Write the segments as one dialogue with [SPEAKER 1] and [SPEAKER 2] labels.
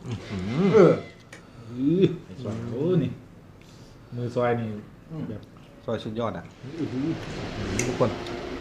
[SPEAKER 1] เออ
[SPEAKER 2] ซอยโอ้นี่มือซอยนี่แบบ
[SPEAKER 3] ซอยสุดยอดอ่ะทุกคน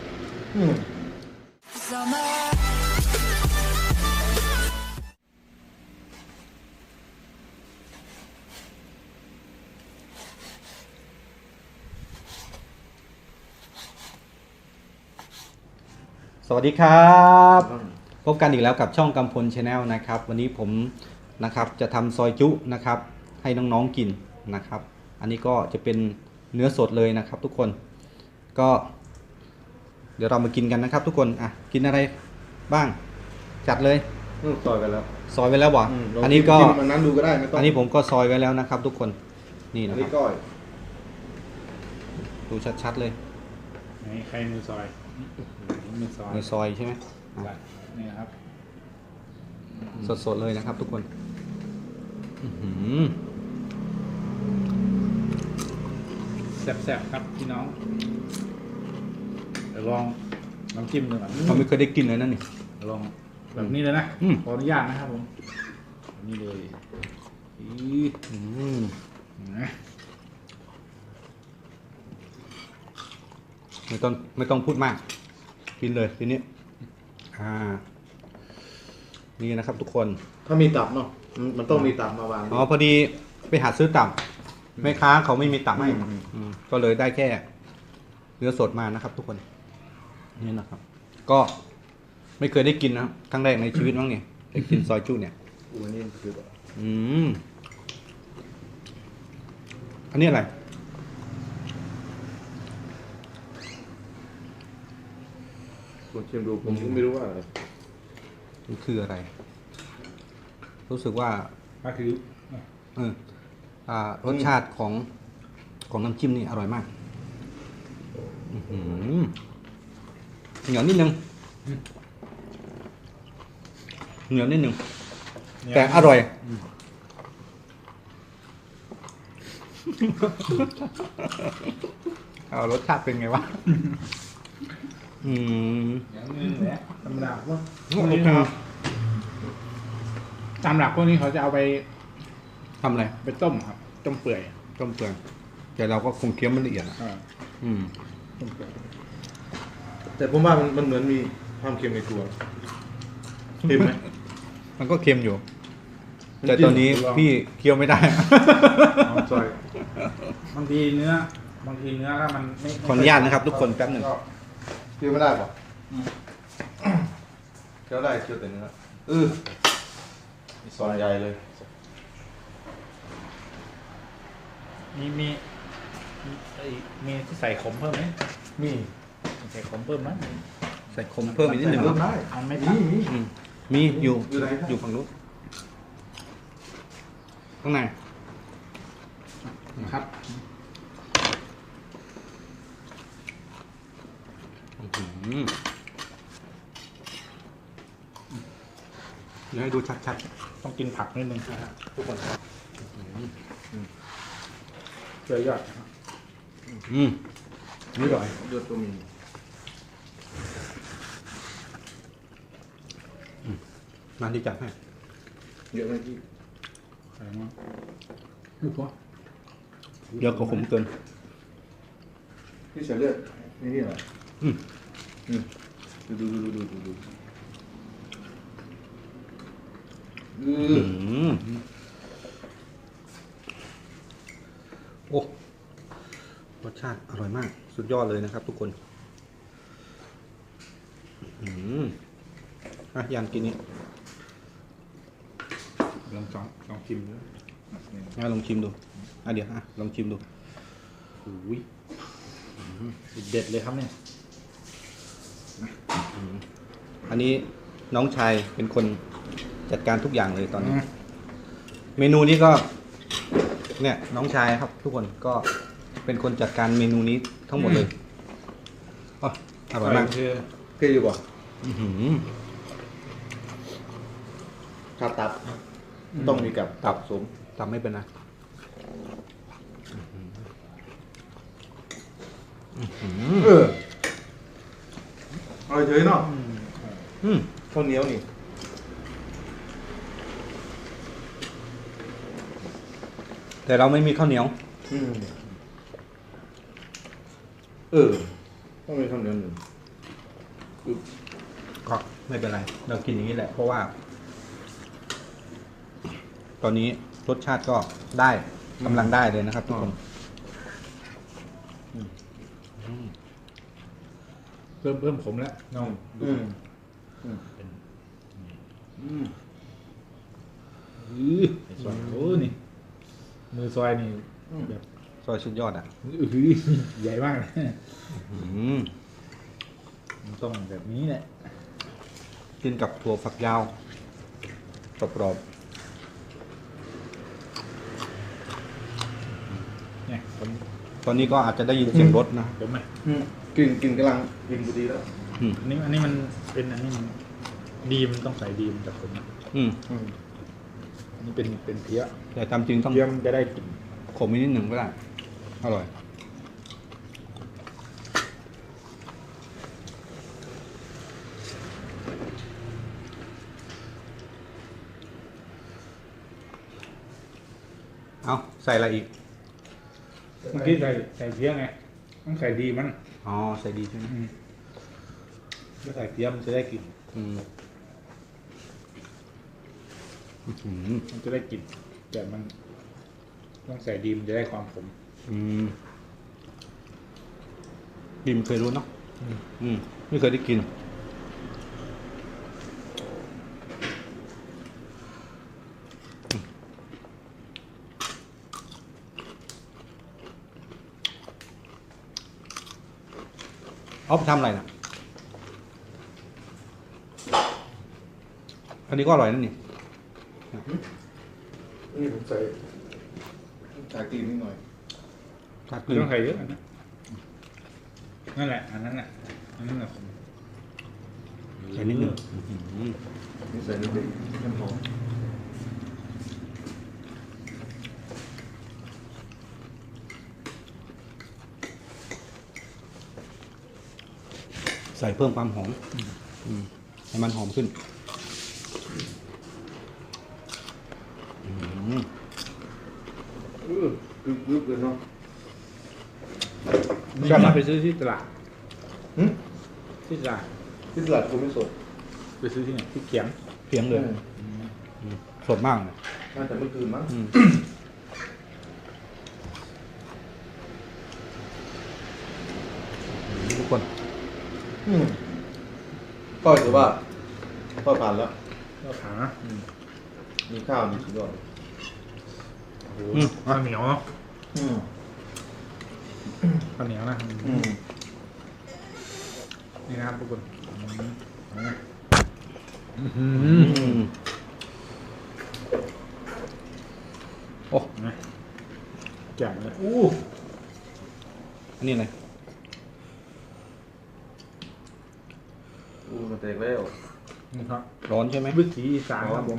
[SPEAKER 3] สวัสดีครับพบกันอีกแล้วกับช่องกำพลชาแนลนะครับวันนี้ผมนะครับจะทำซอยจุนะครับให้น้องๆกินนะครับอันนี้ก็จะเป็นเนื้อสดเลยนะครับทุกคนก็เดี๋ยวเรามากินกันนะครับทุกคนอ่ะกินอะไรบ้างจัดเลย
[SPEAKER 1] ซอยไปแล้ว
[SPEAKER 3] ซอยไว้แล้วบ่
[SPEAKER 1] ลง
[SPEAKER 3] อันนี้ก็
[SPEAKER 1] จิ้มมันนั้นดูก็ได้ไม่ต้อง
[SPEAKER 3] อันนี้ผมก็ซอยไว้แล้วนะครับทุกคนนี่
[SPEAKER 1] อั
[SPEAKER 3] นะ
[SPEAKER 1] น
[SPEAKER 3] ค
[SPEAKER 1] นี้
[SPEAKER 3] รับ
[SPEAKER 1] ก้อย
[SPEAKER 3] ดูชัดๆเลย
[SPEAKER 2] ไหนใครมือซอยมือซอย
[SPEAKER 3] ในซอยใช่ไหม
[SPEAKER 2] นี่ครับ
[SPEAKER 3] สดๆเลยนะครับทุกคนอื้อหือ
[SPEAKER 2] แซ่บๆครับพี่น้องเดี๋ยวลองน้ำจิ้มดูก่อน
[SPEAKER 3] เราไม่เคยได้กินเลยนั่นนี่
[SPEAKER 2] ลองแบบนี้เลยนะ
[SPEAKER 3] อืม
[SPEAKER 2] ขออนุญาตนะครับผมแบบนี้เลยอี นะ
[SPEAKER 3] ไม่ต้องพูดมาก กินเลยทีนี้นี่นะครับทุกคน
[SPEAKER 1] ถ้ามีตับเนาะมันต้องมีตับมาวาง
[SPEAKER 3] อ๋อพอดีไปหาซื้อตับแม่ค้าเขาไม่มีตับให้ก็เลยได้แค่เนื้อสดมานะครับ ทุกคนนี่นะครับ ก็ไม่เคยได้กินนะครับครั้งแรกในชีวิตมั้งเนี่ยได้กินซอยจุเนี่ย
[SPEAKER 1] อันนี้คือ
[SPEAKER 3] อันนี้อะไร
[SPEAKER 1] ผมชิมดูผมก็ไม่รู้ว่าอะไร
[SPEAKER 3] มันคืออะไร รู้สึกว่า
[SPEAKER 2] ก็คือ
[SPEAKER 3] รสชาติของน้ำจิ้มนี่อร่อยมากเหนียวนิดนึงเหนียวนิดนึงแต่อร่อยเอารสชาติเป็นไงวะ
[SPEAKER 2] อย่างนี้แหละธรรมดาพวก
[SPEAKER 3] โอเค
[SPEAKER 2] ตามหลักพวกนี้เขาจะเอาไป
[SPEAKER 3] ทำอะไร
[SPEAKER 2] ไปต้มครับต้มเปื่อย
[SPEAKER 3] ต้มเปลือกแต่เราก็คงเคี้ยวมันละเอียดอะ
[SPEAKER 2] ต้มเปื่อย
[SPEAKER 1] แต่ผมว่ามันเหมือนมีความเค็มในตัวเค็มไหม
[SPEAKER 3] มันก็เค็มอยู่ แต่ตอนนี้พี่เคี้ยวไม่ได้
[SPEAKER 1] ซอย
[SPEAKER 2] บางทีเนื้อถ้ามันไม่
[SPEAKER 3] ขออนุญาตนะครับทุกคนแป๊บหนึ่ง
[SPEAKER 2] ก็
[SPEAKER 1] เคี้ยวไม่ได้ป่ะเคี้ยวได้เคี้ยวแต่เนื้อซอยใหญ่เลย
[SPEAKER 2] มีที่ใส่ขมเพิ่มไหม
[SPEAKER 1] มี
[SPEAKER 2] ใส่ขมเพิ่มไหม
[SPEAKER 3] ใส่ขมเพิ่มอีกนิดหนึ่ง
[SPEAKER 1] เพิ่มได้
[SPEAKER 2] มันไม่
[SPEAKER 1] มี
[SPEAKER 2] ตัด
[SPEAKER 1] มี
[SPEAKER 3] มีอยู่
[SPEAKER 1] อยู่ไหนครับ
[SPEAKER 3] อยู่ฝั่งนู้นข้างใน
[SPEAKER 2] นะครับ
[SPEAKER 3] เดี๋ยวให้ดูชัด
[SPEAKER 2] ต้องกินผักนิดนึงนะครับ
[SPEAKER 3] ๆทุกคน
[SPEAKER 2] เพื่อยอดนะครับ
[SPEAKER 3] นี่อร่อย
[SPEAKER 1] เลือดก็มี
[SPEAKER 3] มาที่จัดให้
[SPEAKER 1] เยอะไหมพี่
[SPEAKER 2] ใส่มาลูกหัว
[SPEAKER 3] เยอะกว่าขมเกิน
[SPEAKER 1] พี่เสียเลือดนี่เหรอ
[SPEAKER 3] อืม
[SPEAKER 1] ดู
[SPEAKER 3] โอ้รสชาติอร่อยมาก สุดยอดเลยนะครับทุกคนยันกินนี้
[SPEAKER 2] ลองชิมดู
[SPEAKER 3] ลองชิมดูเดี๋ยวลองชิมดู
[SPEAKER 2] อุ้ยเด็ดเลยครับเนี่ย
[SPEAKER 3] อันนี้น้องชายเป็นคนจัดการทุกอย่างเลยตอนนี้ เมนูนี้ก็ เนี่ยน้องชายครับ ทุกคนก็เป็นคนจัดการเมนูนี้ทั้งหมดเลยอร่อยมาก
[SPEAKER 2] คือ
[SPEAKER 1] เกยอยู่ป่ะ
[SPEAKER 3] ครับ
[SPEAKER 1] ตับต้องมีกับตับสม
[SPEAKER 3] ทำไม่เป็นนะ
[SPEAKER 1] อร่อยเฉยเนาะ
[SPEAKER 3] อืม
[SPEAKER 1] ข้าวเหนียวนี่
[SPEAKER 3] แต่เราไม่มีข้าวเหนียว
[SPEAKER 1] อืมต้องมีคำเดียวหนึ่ง
[SPEAKER 3] ก็ไม่เป็นไร เรากินอย่างนี้แหละ เพราะว่า ตอนนี้รสชาติก็ได้กำลังได้เลยนะครับทุกคน
[SPEAKER 2] เพิ่มผมแล้วน้อง
[SPEAKER 1] อืม
[SPEAKER 2] ซอยโอ้นี่มือซอยนี่แบบ
[SPEAKER 3] ซอยสุดยอดอ่ะ
[SPEAKER 2] ใหญ่มากเลย
[SPEAKER 3] อืม
[SPEAKER 2] มันต้องแบบนี้แหละ
[SPEAKER 3] กินกับถั่วฝักยาวกรอบ
[SPEAKER 2] เนี่ยผม
[SPEAKER 3] ๆตอนนี้ก็อาจจะได้ยินเสียงรถนะ
[SPEAKER 2] ผมไหม
[SPEAKER 1] กินกำลังกินพอดีแล้ว
[SPEAKER 3] อืม
[SPEAKER 2] อันนี้มันเป็นอันนี้มันดีมต้องใส่ดีมจากผมนะ
[SPEAKER 3] อืม
[SPEAKER 2] อันนี้เป็นเพี้ย
[SPEAKER 3] แต่ตามจริงต้อง
[SPEAKER 2] เพี้ยมันจะได้กลิ่น
[SPEAKER 3] ขมอีกนิดหนึ่งก็ได้ อร่อย เอาใส่อะไรอีก
[SPEAKER 2] เมื่อกี้ใส่เพี้ยไงต้องใส่ดีมัน
[SPEAKER 3] อ๋อ ใส่ดีใช่ไหม
[SPEAKER 2] ถ้าใส่เพี้ยมันจะได้กลิ่น
[SPEAKER 3] อืมอื้อหือ
[SPEAKER 2] มันจะได้กลิ่นแต่มันต้องใส่ดีมันจะได้ความขม
[SPEAKER 3] อืมบิมเคยรู้เนาะอืมไม่เคยได้กิน เอาไปทำอะไรนะอันนี้ก็อร่อยนั่นนี่
[SPEAKER 1] นี่ผมใส่ตีนนิดหน่อย
[SPEAKER 3] ผัดก
[SPEAKER 2] ไม่
[SPEAKER 3] ลืน
[SPEAKER 2] ต้องใส่เยอะอันนั้นนั่นแหละอันนั้นแหละอันนั้นแหละผม
[SPEAKER 3] ใส่นิดหนึง
[SPEAKER 1] นี่ใส่นิดเดียวน้ำหอม
[SPEAKER 3] ใส่เพิ่มความหอมให้มันหอมขึ้นอืม
[SPEAKER 1] กรึบเลยเนาะ
[SPEAKER 2] ชอบไปซื้อที่ตลาด
[SPEAKER 1] หึ
[SPEAKER 2] ที่ตลาด
[SPEAKER 1] ที่ตลาดกูไม่สด
[SPEAKER 2] ไปซื้อที่ไหนที่เขียง
[SPEAKER 3] เพียงเลยสดมากเลย
[SPEAKER 1] น่าจะเมื่อคืนมั้ง
[SPEAKER 3] ทุกคน
[SPEAKER 1] ก็ถือว่าก็ผ่านแล้ว
[SPEAKER 2] ก็ขา
[SPEAKER 1] มีข้าวมีสุดยอด
[SPEAKER 2] โอ้โหข้าวเหนียวเนาะ
[SPEAKER 1] อืม
[SPEAKER 2] ข้าวเหนียวนะ
[SPEAKER 1] อืม
[SPEAKER 2] นี่นะครับทุกคนโอ้นะแจ่มเลยอู้
[SPEAKER 3] อันนี้อะไร
[SPEAKER 1] มันแตกแล้ว
[SPEAKER 2] นี่ครับ
[SPEAKER 3] ร้อนใช่ไหม
[SPEAKER 2] วิถีอีสานครับผม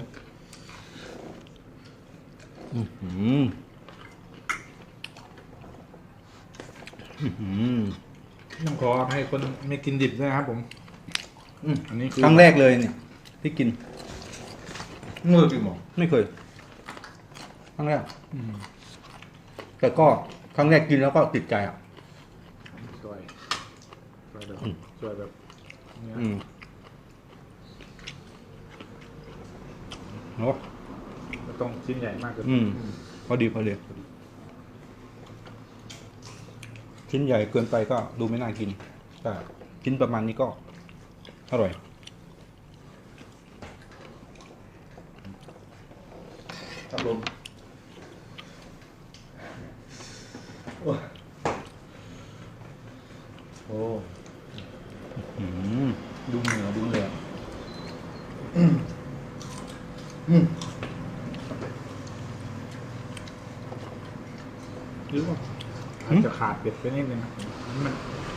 [SPEAKER 2] ต้องขออภัยคนไม่กินดิบด้วยนะครับผมอันนี้คือ
[SPEAKER 3] ครั้งแรกเลยเนี่ย ที่กิน
[SPEAKER 1] เมื่อกี่โมง
[SPEAKER 3] ไม่เคย ครั้งแรก แต่ก็ครั้งแรกกินแล้วก็ติดใจอ่ะ
[SPEAKER 2] ซอยแบบซอยแบบเนี้ย
[SPEAKER 3] โอ้
[SPEAKER 2] ไม่ต้องชิ้นใหญ่มากเกิน
[SPEAKER 3] พอดีพอดีชิ้นใหญ่เกินไปก็ดูไม่น่ากิน แต่ชิ้นประมาณนี้ก็อร่อย
[SPEAKER 1] ครับผม โอ้
[SPEAKER 3] ดูเหนือดูเหนือ
[SPEAKER 2] หรือว่าอาจจะขาดเผ็ดไปนิดนึงนะมัน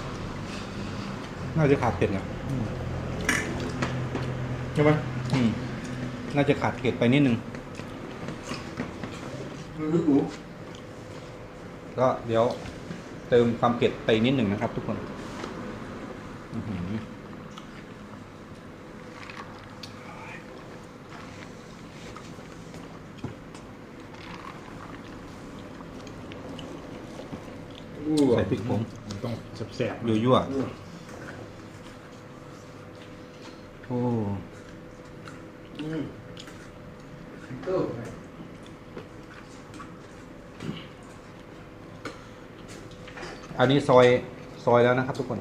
[SPEAKER 3] น่าจะขาดเผ็ดนะ
[SPEAKER 1] ใช่ไหม
[SPEAKER 3] น่าจะขาดเผ็ดไปนิดนึง
[SPEAKER 1] รู้
[SPEAKER 3] ก็เดี๋ยวเติมความเผ็ดไปนิดหนึ่งนะครับทุกคนใส่พริกผง
[SPEAKER 2] มันต้องแสบๆ
[SPEAKER 3] ยั่วโอ้อันนี้ซอยแล้วนะครับทุกคน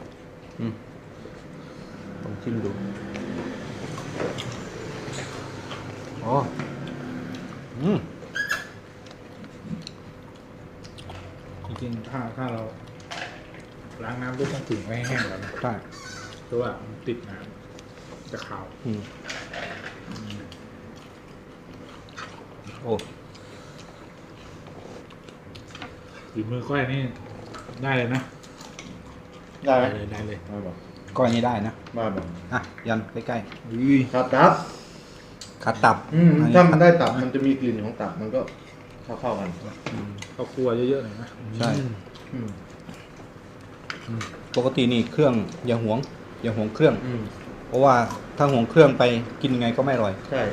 [SPEAKER 3] ต้องชิมดูอ๋อ
[SPEAKER 2] จริงๆถ้าเราล้างน้ำด้วยต้องถึงไว้ให้แห้งก่อนนะ
[SPEAKER 3] ใช่
[SPEAKER 2] เพราะว่ามันติดน้ำจะขาว
[SPEAKER 3] โอ้
[SPEAKER 2] ฝีมือก้อยนี่ได้เลยนะ
[SPEAKER 1] ได้ไหม
[SPEAKER 2] ได้เลย
[SPEAKER 1] มาบอก
[SPEAKER 3] ก้อยนี้ได้นะ
[SPEAKER 1] มาบอก
[SPEAKER 3] อ่ะยันใกล้
[SPEAKER 2] อุ้ย
[SPEAKER 1] ครับตับ
[SPEAKER 3] ๆขาตับอันนี้
[SPEAKER 1] ถ้ามันได้ตับมันจะมีกลิ่นของตับมันก็เข้ากัน
[SPEAKER 2] ข้าวคั่วเยอะๆหน่อยนะ
[SPEAKER 3] ใช่
[SPEAKER 1] อืม
[SPEAKER 3] ปกตินี่เครื่องอย่าหวงเครื่อง
[SPEAKER 1] อืม
[SPEAKER 3] เพราะว่าถ้าหวงเครื่องไปกินยังไงก็ไม่อร่อย
[SPEAKER 1] ใช่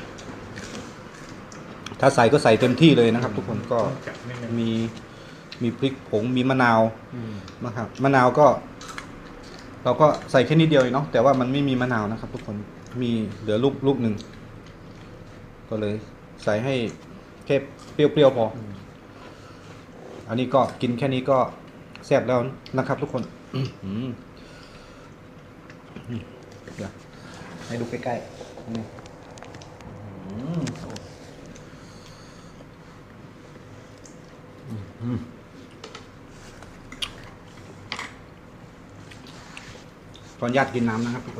[SPEAKER 3] ถ้าใส่ก็ใส่เต็มที่เลยนะครับ ทุกคนก็
[SPEAKER 2] จัดนิดนึง
[SPEAKER 3] มีพริกผงมีมะนาว
[SPEAKER 1] อืม
[SPEAKER 3] นะครับมะนาวก็ เราก็ใส่แค่นิดเดียวเองเนาะแต่ว่ามันไม่มีมะนาวนะครับ ทุกคนมีเหลือลูกหนึ่งก็เลยใส่ให้แค่เปรี้ยวๆพอออันนี้ก็กินแค่นี้ก็แซ่บแล้วนะครับ ทุกคนเดี๋ยวให้ดูใกล้ๆนี่ขออนุญาตกินน้ำนะครับทุกคน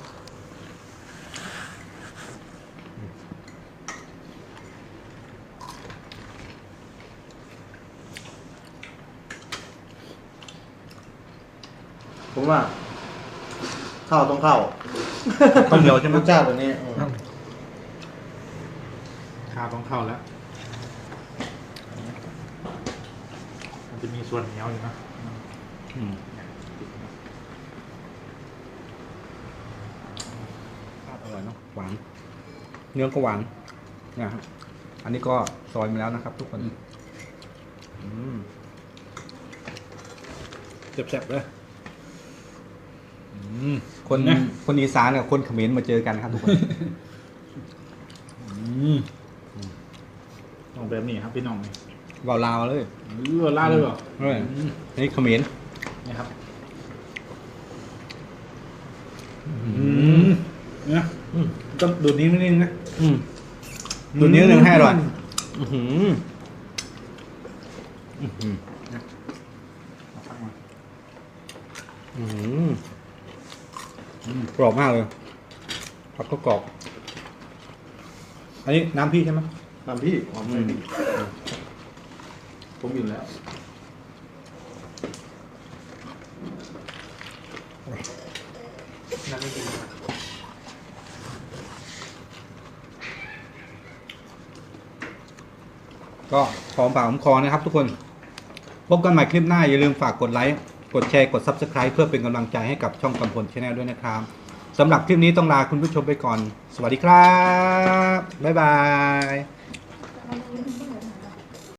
[SPEAKER 1] ผมว่าข้าวต้องเข้า
[SPEAKER 3] ข้าวเหนียวใช่ไหม
[SPEAKER 1] รสชาติตัวนี้
[SPEAKER 2] ข้าวต้องเข้าแล้ว มันจะมีส่วนเหนียวอยู่นะ
[SPEAKER 3] อืมอร่อยเนาะหวานเนื้อก็หวานนะครับอันนี้ก็ซอยมาแล้วนะครับ ทุกคน
[SPEAKER 2] แซ่บๆเลย
[SPEAKER 3] คน
[SPEAKER 2] นะ
[SPEAKER 3] คนอีสานกับคนเขมรมาเจอกันครับทุกคน
[SPEAKER 2] ต้องแบบนี้ครับพี่น้องนี่
[SPEAKER 3] วาวลาวเลย
[SPEAKER 2] ล่าเลยเหรอ
[SPEAKER 3] อันนี้เขมร
[SPEAKER 2] นี่ครับเนี่ยต้องดูดนิ้วนิดนึงนะ
[SPEAKER 3] ดูนิ้วหนึ่งให้อร่อยกรอบมากเลยผักก็กรอบ อันนี้น้ำพี่ใช่ไหม
[SPEAKER 1] น้ำพี่หอมเลยพี่ผมกินแล้ว
[SPEAKER 3] น้ำไม่กินก็หอมปากหอมคอนะครับทุกคน พบกันใหม่คลิปหน้าอย่าลืมฝากกดไลค์ กดแชร์ กด Subscribe เพื่อเป็นกำลังใจให้กับช่องกำพล Channel ด้วยนะครับสำหรับคลิปนี้ต้องลาคุณผู้ชมไปก่อน สวัสดีครับ บ๊ายบาย